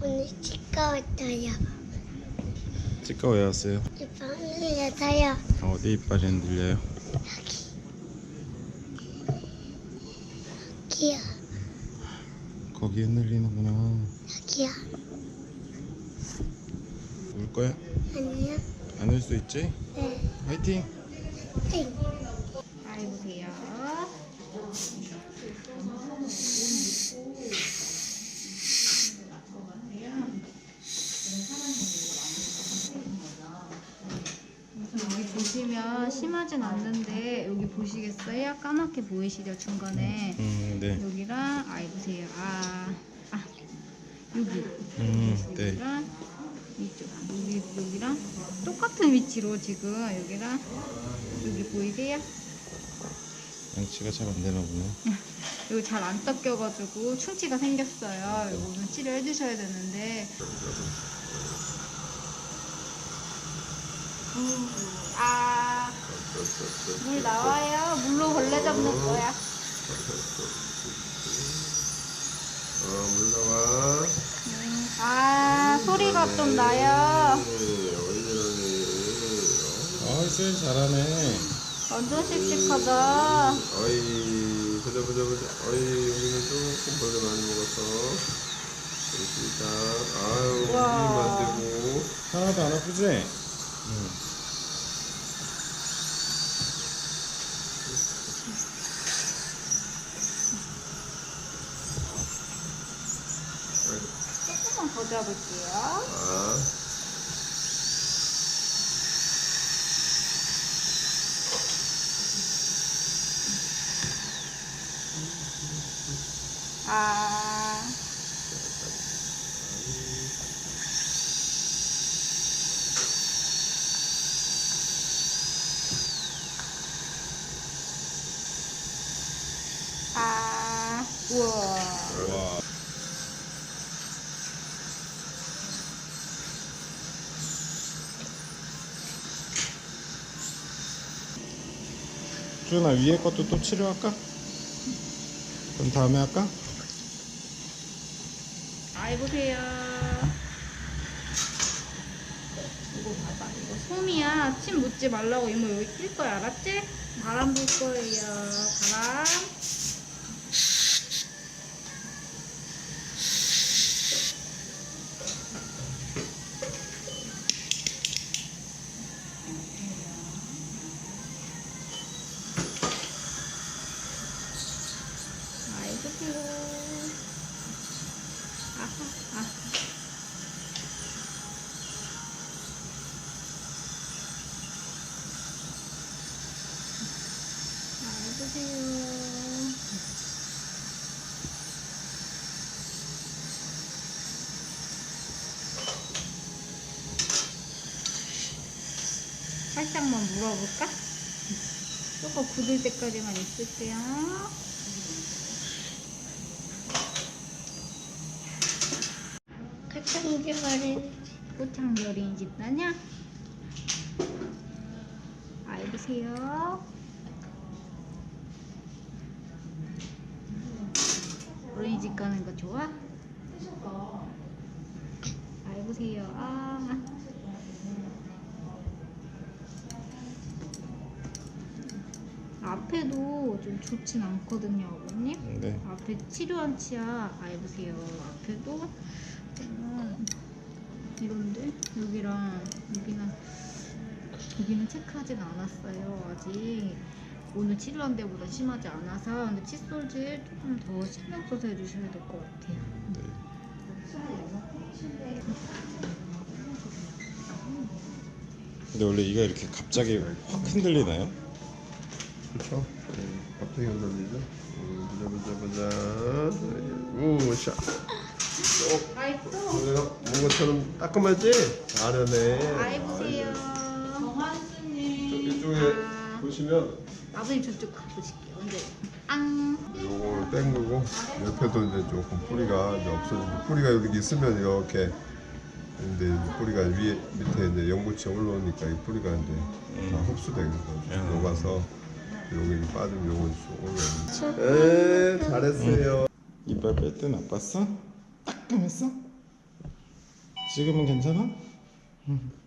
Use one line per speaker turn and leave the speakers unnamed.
오늘 치과 왔어요.
치과 왜 왔어요?
이빨 흘려서요.
어디 이빨이 흔들려요?
여기요.
거기 흔들리는구나.
여기요.
울 거야?
아니요.
안 울 수 있지?
네.
화이팅!
땡.
잘 보세요. 여기 보시면 심하진 않는데 여기 보시겠어요? 까맣게 보이시죠? 중간에
네.
여기랑 보세요. 여기
네.
여기랑 이쪽 여기랑 똑같은 위치로 지금 여기랑 여기 보이세요?
양치가 잘 안 되나 보네.
여기 잘 안 닦여가지고 충치가 생겼어요. 이거는 치료해 주셔야 되는데. 물 나와요. 물로 벌레 잡는 거야.
물 나와.
소리가 좀 나요.
수현 잘하네.
완전 씩씩하다.
어이, 보자. 여기는 조금 벌레 많이 먹었어. 그렇습니다. 아유,
우와.
안 되고.
하나도 안 아프지?
조금만 더 잡을게요. 우와.
와. 수현아, 위에 것도 또 치료할까? 그럼 다음에 할까?
보세요. 이거 봐봐. 이거 솜이야. 침 묻지 말라고 이모 여기 낄 거야. 알았지? 바람 불 거예요. 바람. 보세요. 보세요. 살짝만 물어볼까? 조금 굳을 때까지만 있을게요.
가창기 말해.
꽃향별이 집나냐? 보세요. 어린이집 가는 거 좋아? 보세요. 앞에도 좀 좋진 않거든요, 어머님.
네.
앞에 치료한 치아 보세요. 앞에도 이런데 여기랑 여기는 체크하진 않았어요. 아직 오늘 치료한 데보다 심하지 않아서. 근데 칫솔질 조금 더 신경 써서 해주셔야 될 것 같아요.
네. 근데 원래 이가 이렇게 갑자기 확 흔들리나요?
그렇죠. 갑자기 흔들리죠. 보자. 오, 샤.
맛있어.
내가 먹은 것처럼 따끔하지? 잘하네.
보세요.
이쪽에 보시면
아버님 저쪽 가보실게요. 근데
요걸 땡그고 옆에도 이제 조금 뿌리가 이제 없어지고, 뿌리가 여기 있으면 이렇게, 근데 뿌리가 위에 밑에 이제 연고치 올라오니까 이 뿌리가 이제 다 흡수되는 거죠. 녹아서 여기 빠지면 요거 쭉 올라오는. 네, 잘했어요.
이빨 뺄 때 나빴어? 따끔했어? 찍으면 괜찮아?